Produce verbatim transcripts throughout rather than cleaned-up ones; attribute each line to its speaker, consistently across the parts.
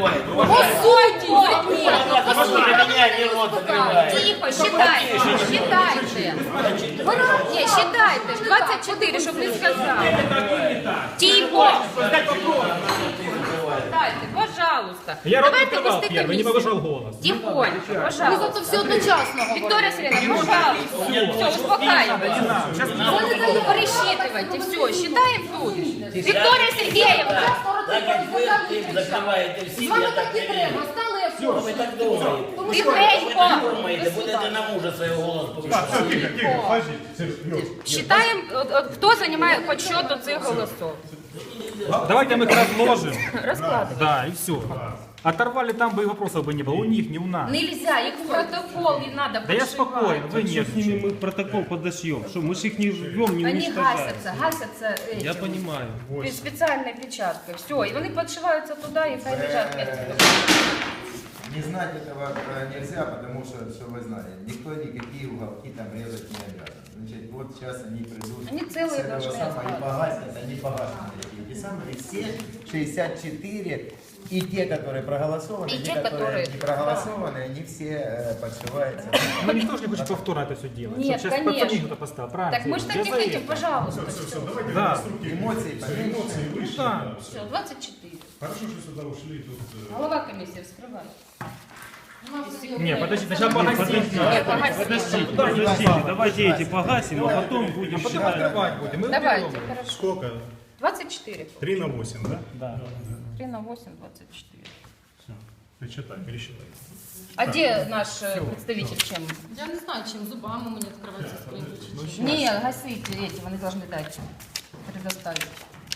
Speaker 1: закрывает.
Speaker 2: Голосуйте!
Speaker 3: Тихо, считайте, считайте. Не, считайте. двадцать четыре, чтобы не сказал. Тихо. Считайте, пожалуйста.
Speaker 4: Я рот
Speaker 3: Давайте
Speaker 4: открывал
Speaker 3: вести
Speaker 4: первый, не
Speaker 3: комиссию.
Speaker 4: повышал голос.
Speaker 3: Тихонько,
Speaker 2: Ви
Speaker 3: пожалуйста.
Speaker 2: зато все одночасно говорите.
Speaker 3: Виктория Сергеевна, пожалуйста. Все, успокаивайтесь. Пересчитывайте, все, считаем тут. Виктория Сергеевна.
Speaker 1: Так как вы им закрываете все,
Speaker 2: З вами
Speaker 1: я
Speaker 2: так
Speaker 1: так
Speaker 2: і
Speaker 1: не
Speaker 2: треба.
Speaker 1: верю.
Speaker 2: Стали
Speaker 1: Что вы
Speaker 2: ефір.
Speaker 1: так думаете?
Speaker 2: Тому
Speaker 1: Вы
Speaker 2: що
Speaker 1: так думаете, будете на мужа своего голос
Speaker 5: Так, все,
Speaker 1: повышать.
Speaker 5: тихо, тихо, подожди, Сереж.
Speaker 3: Считаем, от- от хто займає подсчету цих голосов.
Speaker 4: Давайте мы их разложим.
Speaker 3: Розкладуємо.
Speaker 4: Да, и все. Оторвали там бы и вопросов бы не было. У них, не у нас.
Speaker 3: Нельзя, їх в протокол не надо
Speaker 4: Да я
Speaker 3: подшивать.
Speaker 4: спокоен, вы
Speaker 6: Что
Speaker 4: нет.
Speaker 6: с ними мы протокол подошьем? Что, мы же их не жмем, не
Speaker 3: Они
Speaker 6: уничтожаем.
Speaker 3: гасятся, гасятся
Speaker 6: Я
Speaker 3: этим,
Speaker 6: понимаю.
Speaker 3: специальной печаткой. Все, и они подшиваются туда и хай лежат вместе.
Speaker 7: Не знать этого э, нельзя, потому что, что вы знали, никто никакие уголки там резать не обязан. Значит, вот сейчас они придут
Speaker 3: Они целые
Speaker 7: с этого
Speaker 3: должны
Speaker 7: самого и
Speaker 3: остаться.
Speaker 7: погасят, они погасят эти самые, все шестьдесят четыре, и те, которые проголосованы,
Speaker 3: И
Speaker 7: и
Speaker 3: те,
Speaker 7: те, которые
Speaker 3: которые-
Speaker 7: не проголосованы, они все э, подшиваются.
Speaker 4: Ну никто же не хочет повторно это все делать.
Speaker 3: Нет,
Speaker 4: Чтоб сейчас
Speaker 3: конечно.
Speaker 4: пацаны кто-то поставил, правильно?
Speaker 3: Так мы же так
Speaker 4: Я
Speaker 3: не
Speaker 4: за
Speaker 3: хотим,
Speaker 4: это.
Speaker 3: пожалуйста.
Speaker 5: Все, все, давайте
Speaker 4: Да.
Speaker 5: конструктивно.
Speaker 7: Эмоции поменьше.
Speaker 5: Эмоции выше.
Speaker 4: да.
Speaker 5: да, всё.
Speaker 3: Все, двадцать четыре.
Speaker 5: Хорошо, что сюда ушли. Тут, э,
Speaker 3: Голова комиссии вскрывает.
Speaker 4: Не, подожди, сначала погасить
Speaker 3: Нет,
Speaker 4: надо.
Speaker 3: погасить.
Speaker 6: Подождите, подождите, давайте эти погасим, а потом будем
Speaker 4: Потом
Speaker 6: считать.
Speaker 4: открывать будем. Мы
Speaker 3: Давайте,
Speaker 4: уберем.
Speaker 3: хорошо.
Speaker 5: сколько?
Speaker 3: двадцать четыре.
Speaker 5: три на восемь, да?
Speaker 4: Да.
Speaker 3: три на восемь, двадцать четыре.
Speaker 5: Все. Пересчитай, пересчитай.
Speaker 3: А где наш э, представитель чем?
Speaker 2: Я не знаю, чим зубами мені відкриваються скриньки.
Speaker 3: Нет, гасите эти, они должны дать, предоставить.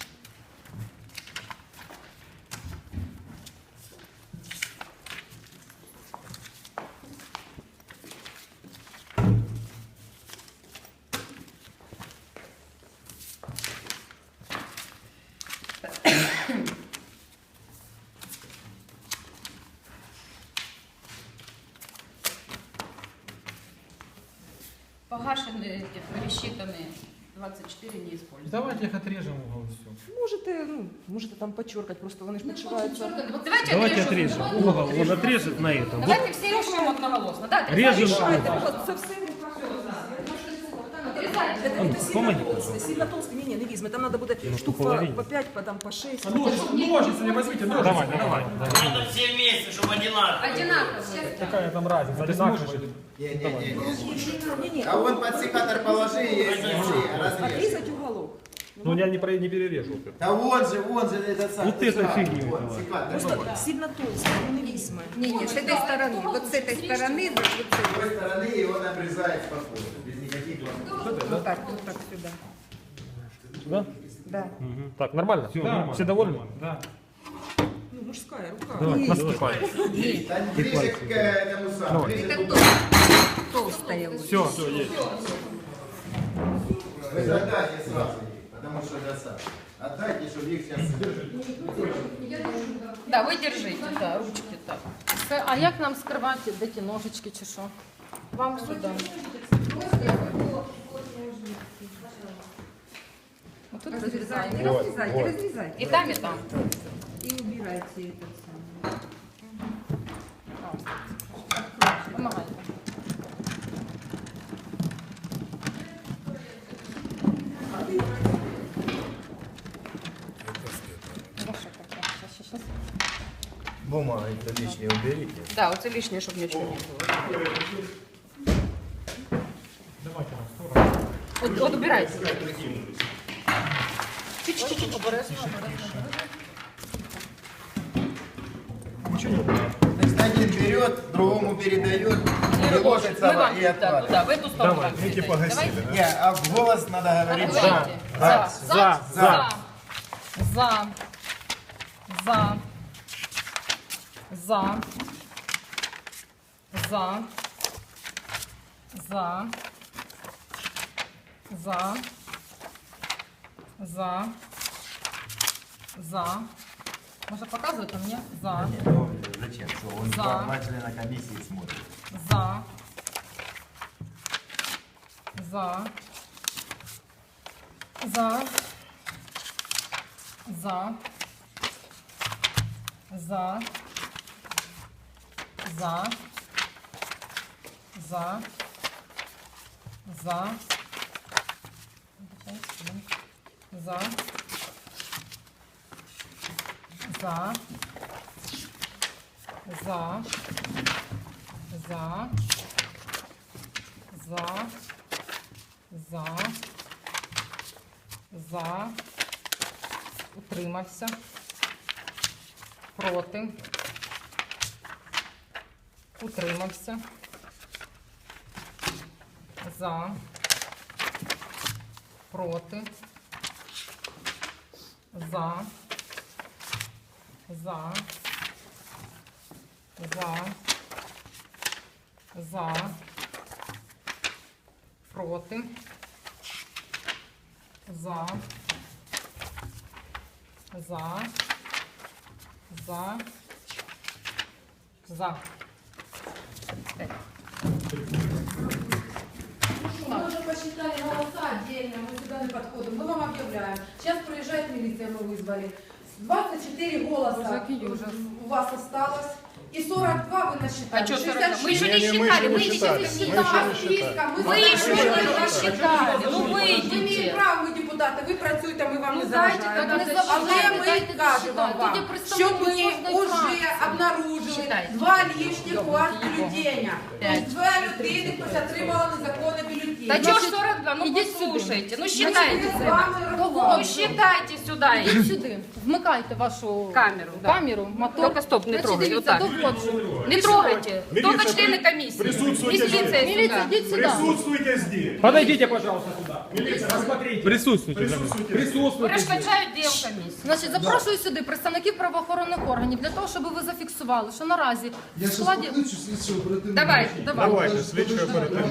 Speaker 3: Погашенные, эти, пересчитанные, двадцать четыре не используют.
Speaker 4: Давайте их отрежем угол и все.
Speaker 8: Можете, ну, можете там подчеркать, просто вони ж підшиваються.
Speaker 3: Давайте,
Speaker 6: Давайте
Speaker 3: отрежем.
Speaker 6: отрежем. Угол, он отрежет на этом. Вот
Speaker 3: Давайте все режем одноголосно. Да,
Speaker 6: режем.
Speaker 8: Це все в руках.
Speaker 3: Отрезайте.
Speaker 8: Это, это сильно
Speaker 6: помоги,
Speaker 8: толстый, сильно толстый, не, не, не візьме. Там надо буде штук по,
Speaker 6: половине.
Speaker 8: по пять, по, там, по шесть.
Speaker 4: Ножницы не возьмите, ножницы. Давай, давай.
Speaker 1: Надо все вместе, чтобы одинаково.
Speaker 3: Одинаково.
Speaker 4: Какая там разница? Ты сможешь?
Speaker 7: Не-не-не. А вон подсекатор положи, есть разрез.
Speaker 8: Отрезать уголок.
Speaker 4: Ну я не, про- не перережу.
Speaker 7: Да вон же, вон же этот самый.
Speaker 6: Вот это фигня.
Speaker 7: Вот, секатор.
Speaker 8: Просто сильно толстый, ну, не візьме.
Speaker 9: Не, не, с этой стороны. Вот с этой стороны, вот,
Speaker 7: С другой стороны его обрезает спокойно, без никаких вопросов.
Speaker 9: вот так, вот так сюда.
Speaker 4: Да?
Speaker 9: Да.
Speaker 4: Так, нормально? Все,
Speaker 6: нормально.
Speaker 4: Все довольны? Да.
Speaker 8: Ну, мужская рука.
Speaker 4: Давай, наступай.
Speaker 7: Да ближе к этому самому, ближе к углу.
Speaker 9: Толстая вот.
Speaker 4: Все, все, есть.
Speaker 7: Вы задайте сразу их, потому что это сам. Отдайте, чтобы их сейчас...
Speaker 3: Да, вы держите, да, ручки так.
Speaker 2: А як нам скривати, де ті ножички чи що?
Speaker 3: Вам сюда.
Speaker 2: Вот тут
Speaker 9: Разрезайте,
Speaker 2: розрізаємо.
Speaker 9: разрезайте, разрезайте.
Speaker 3: И там, и там.
Speaker 9: И убирайте этот самый.
Speaker 2: Помагайте.
Speaker 7: Бумага, это лишнее уберите.
Speaker 3: Да, вот это лишнее, чтобы ничего не было.
Speaker 4: Давайте на сторону.
Speaker 3: Вот, вот убирайте.
Speaker 2: Чуть-чуть обережно.
Speaker 4: Ничего не убираю.
Speaker 7: Значит, один берет, другому передает, и ложит
Speaker 3: Мы
Speaker 7: сама
Speaker 3: вам
Speaker 7: и
Speaker 3: да,
Speaker 7: откладывает.
Speaker 3: туда, в эту сторону.
Speaker 4: Давай,
Speaker 3: вам
Speaker 5: Видите,
Speaker 3: передайте.
Speaker 5: погасили, да?
Speaker 7: Не, а в голос надо говорить.
Speaker 3: Давай.
Speaker 7: Да.
Speaker 3: За.
Speaker 4: За, за.
Speaker 2: За. За. За. За. За. За. За. За. Можно показывать, а мне? За.
Speaker 7: Ну, зачем? Что он
Speaker 2: За.
Speaker 7: два два члена комиссии смотрит.
Speaker 2: За. За. За. За. За. За. За. За. За. За. За. За. За. За. За. Утримався. Проти. Утримався. За. Проти. За. За. За. За. Проти. За. За. За. За.
Speaker 10: Мы уже посчитали голоса отдельно, мы сюда не подходим. Мы вам объявляем. Сейчас приезжает милиция, мы вызвали. двадцать четыре голоса у вас осталось. И сорок два вы насчитали.
Speaker 2: А что сорок два? Мы еще
Speaker 5: Не,
Speaker 2: не
Speaker 5: не, мы
Speaker 2: считали,
Speaker 5: еще
Speaker 2: мы
Speaker 5: не
Speaker 2: еще
Speaker 5: считали.
Speaker 2: не
Speaker 5: Мы
Speaker 2: считали.
Speaker 5: еще не считали.
Speaker 10: Мы
Speaker 2: Вы еще не посчитали. Ну
Speaker 10: Ми маємо
Speaker 2: вийдіть.
Speaker 10: право, ми депутати, ви працюєте, ми вам не
Speaker 2: Ну, дайте,
Speaker 10: заважаємо.
Speaker 2: так не заважайте,
Speaker 10: Але ми
Speaker 2: дайте
Speaker 10: кажемо
Speaker 2: досчитати.
Speaker 10: вам,
Speaker 2: Тоді
Speaker 10: що
Speaker 2: представники
Speaker 10: ми
Speaker 2: кожної
Speaker 10: вже
Speaker 2: фракції.
Speaker 10: обнаружили
Speaker 2: Считайте.
Speaker 10: два лишніх у вас бюллетеня. Тобто два людини хтось отримала незаконне бюллетень.
Speaker 3: Да что ж сорок два? Ну послушайте, ну считайте.
Speaker 10: Ми з вами
Speaker 3: Ну
Speaker 10: рахували.
Speaker 3: считайте сюда.
Speaker 2: Ідіть сюди, вмикайте вашу
Speaker 3: Камеру, да.
Speaker 2: камеру, мотор.
Speaker 3: Только стоп, не
Speaker 2: Значить,
Speaker 3: трогай,
Speaker 2: дивіться,
Speaker 3: вот так.
Speaker 2: доводжу.
Speaker 3: Не трогайте.
Speaker 5: Милиция,
Speaker 3: Только члены
Speaker 5: при-
Speaker 3: комиссии.
Speaker 5: присутствуйте
Speaker 3: Милиция
Speaker 5: здесь.
Speaker 2: Міліція,
Speaker 3: сюда.
Speaker 2: йдіть сюди.
Speaker 5: Присутствуйте здесь.
Speaker 4: Подойдите, пожалуйста, сюда. Милиция, посмотрите.
Speaker 6: Присутствуйте.
Speaker 5: Присутствуйте здесь.
Speaker 4: Присутствуйте. здесь.
Speaker 3: Перешкоджають діям комісії.
Speaker 2: Значить, запрошую сюди представників правоохоронних органів для того, щоб ви зафіксували, що наразі в складі...
Speaker 3: Давай, давай.
Speaker 5: Давайте, слідчого оперативно.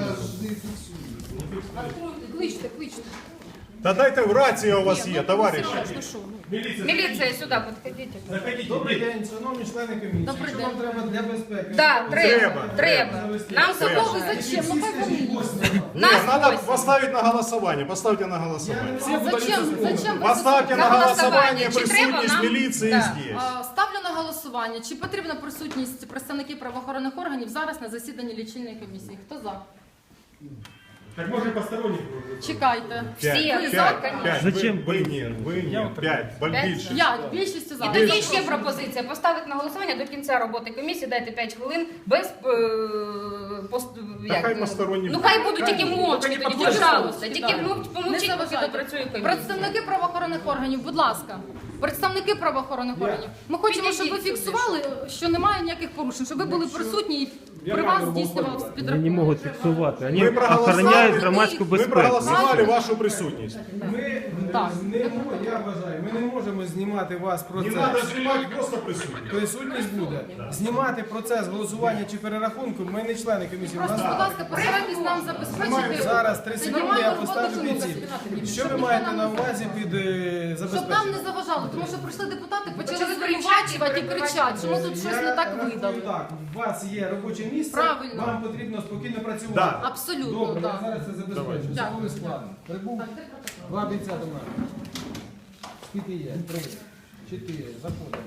Speaker 2: Кличте, кличте.
Speaker 5: Та дайте в рація у вас є, товариші.
Speaker 2: Ну що, ну.
Speaker 3: Міліція сюди, підходите.
Speaker 11: Добрий день, шановні члени комісії.
Speaker 2: Добрий
Speaker 11: Що вам
Speaker 2: день.
Speaker 11: треба для безпеки?
Speaker 3: Да, треба,
Speaker 5: Треба.
Speaker 3: треба. Нам
Speaker 2: Кого ви
Speaker 3: заважають.
Speaker 2: зачем? Ну хай вони їдуть.
Speaker 3: Нас
Speaker 5: Нет, надо
Speaker 3: восемь.
Speaker 5: поставить на голосование. Поставьте на голосование.
Speaker 2: А зачем? Зачем?
Speaker 5: Поставьте на
Speaker 3: На
Speaker 5: голосование
Speaker 3: голосование. Чи треба
Speaker 5: присутність
Speaker 3: нам?
Speaker 5: міліції
Speaker 3: Да.
Speaker 5: здесь.
Speaker 2: А, Ставлю на голосування, чи потрібна присутність представників правоохоронних органів зараз на засіданні лічильної комісії. Хто за?
Speaker 5: Так може посторонніх.
Speaker 2: Чекайте.
Speaker 3: Всі
Speaker 5: П'ять,
Speaker 3: за,
Speaker 5: п'ять,
Speaker 3: конечно.
Speaker 5: п'ять.
Speaker 6: Зачем?
Speaker 5: Ви ні, ви ні. П'ять, бо
Speaker 3: П'ять?
Speaker 5: більше.
Speaker 2: П'ять, більшістю за.
Speaker 3: І тоді ще пропозиція поставити на голосування до кінця роботи комісії, дайте п'ять хвилин без е, пост,
Speaker 5: Та хай посторонні
Speaker 3: Ну хай будуть тільки мовчки,
Speaker 5: Тільки
Speaker 3: тоді,
Speaker 5: підходять.
Speaker 3: пожалуйста, тільки
Speaker 2: Не
Speaker 3: мов- помовчіть, поки
Speaker 2: заважайте.
Speaker 3: допрацює комісія.
Speaker 2: Представники правоохоронних органів, будь ласка. Представники правоохоронних органів. Ми хочемо, щоб ви
Speaker 3: Підійдіть сюди,
Speaker 2: фіксували, що немає ніяких порушень, щоб ви були присутні і при вас здійснювався
Speaker 6: Вони не
Speaker 2: підрахунок.
Speaker 6: можуть фіксувати. Вони
Speaker 5: Ми проголосували.
Speaker 6: охороняють громадську
Speaker 5: Ми
Speaker 6: безпеку.
Speaker 5: проголосували вашу присутність.
Speaker 11: Ми
Speaker 2: Так.
Speaker 11: не мо- я вважаю, ми не можемо знімати вас
Speaker 5: Не
Speaker 11: процес.
Speaker 5: треба знімати, просто присутність.
Speaker 11: Присутність буде. Знімати процес голосування чи перерахунку, ми не члени комісії. У нас
Speaker 2: Просто, будь ласка, постарайтесь нам забезпечити.
Speaker 11: зараз три
Speaker 2: Це
Speaker 11: секунди,
Speaker 2: нормальну
Speaker 11: я
Speaker 2: роботу
Speaker 11: поставлю під ці.
Speaker 2: журналістів.
Speaker 11: Що ви
Speaker 2: Щоб
Speaker 11: маєте
Speaker 2: ніхто
Speaker 11: на
Speaker 2: нам не
Speaker 11: увазі під е,
Speaker 2: Щоб нам
Speaker 11: забезпечення?
Speaker 2: не заважало, тому що прийшли депутати, почали
Speaker 3: Почали
Speaker 2: звинувачувати і
Speaker 3: кричати,
Speaker 2: кричати, що ми тут щось не так
Speaker 11: Я рахую
Speaker 2: видали.
Speaker 11: так, у вас є робоче місце,
Speaker 2: Правильно.
Speaker 11: вам потрібно спокійно працювати.
Speaker 5: Да.
Speaker 2: Абсолютно,
Speaker 11: Добре, я
Speaker 2: так.
Speaker 11: зараз це забезпечу. Це
Speaker 2: Дякую.
Speaker 11: буде складно. Прибув два бійця до мене. Скільки є? Три. Чотири. Заходимо.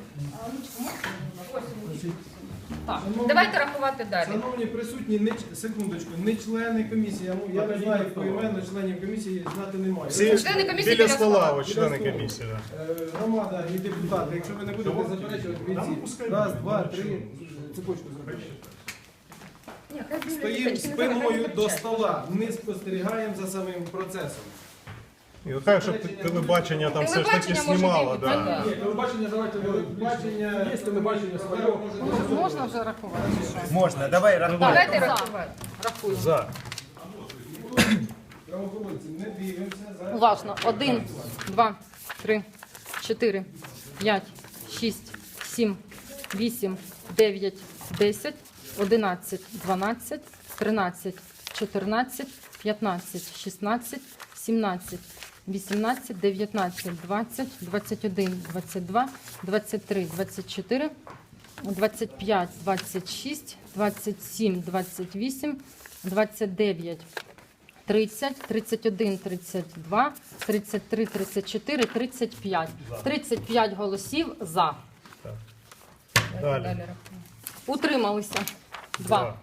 Speaker 2: Так.
Speaker 3: Давайте рахувати далі.
Speaker 11: Шановні присутні, не, ч- секундочку, не члени комісії, я, ну, я не знаю поіменно, членів комісії знати немає.
Speaker 5: Всі
Speaker 3: Члени комісії
Speaker 5: біля
Speaker 3: біля
Speaker 5: стола,
Speaker 3: стола.
Speaker 5: ось члени комісії. да.
Speaker 11: Е, Громада і депутати, якщо ви не будете заперечувати
Speaker 5: Там
Speaker 11: бійці,
Speaker 5: пускай
Speaker 11: раз,
Speaker 5: буде.
Speaker 11: два, три, цепочку зробити.
Speaker 3: Ні, хай буде
Speaker 11: Стоїмо
Speaker 3: точки, не
Speaker 11: спиною
Speaker 3: забирайте
Speaker 11: до
Speaker 3: п'ять.
Speaker 11: стола, не спостерігаємо за самим процесом.
Speaker 5: І хай, щоб телебачення там все ж таки
Speaker 3: Телебачення може
Speaker 5: знімало.
Speaker 3: бути,
Speaker 5: Да.
Speaker 3: так.
Speaker 11: Ні, телебачення давайте телебачення, є телебачення своє.
Speaker 2: Можна вже рахувати?
Speaker 7: Можна, давай рахуй.
Speaker 3: Давайте
Speaker 2: За.
Speaker 3: рахувати. Рахуємо.
Speaker 5: За.
Speaker 11: Правоохоронці, не дивимося за...
Speaker 2: Уважно. Один, два, три, чотири, п'ять, шість, сім, вісім, дев'ять, десять, одинадцять, дванадцять, тринадцять, чотирнадцять, п'ятнадцять, шістнадцять, сімнадцять, вісімнадцять, дев'ятнадцять, двадцять, двадцять один, двадцять два, двадцять три, двадцять чотири, двадцять п'ять, двадцять шість, двадцять сім, двадцять вісім, двадцять дев'ять, тридцять, тридцять один, тридцять два, тридцять три, тридцять чотири, тридцять п'ять. тридцять п'ять голосів за.
Speaker 5: Далі.
Speaker 3: Далі рахуємо.
Speaker 2: Утрималися. Два.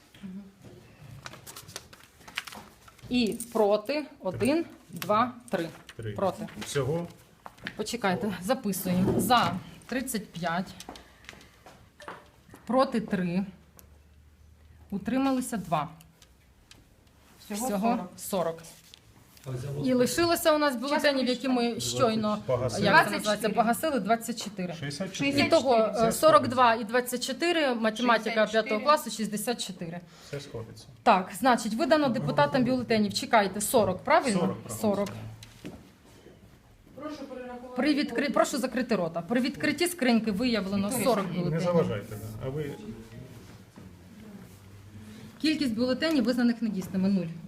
Speaker 2: І проти. Один, два, три.
Speaker 5: Три.
Speaker 2: Проти.
Speaker 5: Всього
Speaker 2: Почекайте, записуємо. За тридцять п'ять. Проти три. Утрималися два. Всього сорок. І лишилося у нас бюлетенів, які ми щойно,
Speaker 5: Погасили.
Speaker 2: як це називається, погасили, двадцять чотири.
Speaker 5: шістдесят
Speaker 2: І
Speaker 5: чотири.
Speaker 2: того е, сорок два і двадцять чотири, математика п'ятого класу, шістдесят чотири.
Speaker 5: Все сходиться.
Speaker 2: Так, значить, видано депутатам бюлетенів, чекайте, сорок, правильно?
Speaker 5: сорок, правильно.
Speaker 2: сорок.
Speaker 10: Прошу перерахувати.
Speaker 2: При відкри... Прошу закрити рота. При відкритті скриньки виявлено сорок
Speaker 5: Не
Speaker 2: бюлетенів.
Speaker 5: заважайте. Да. А ви
Speaker 2: Кількість бюлетенів, визнаних недійсними, нуль.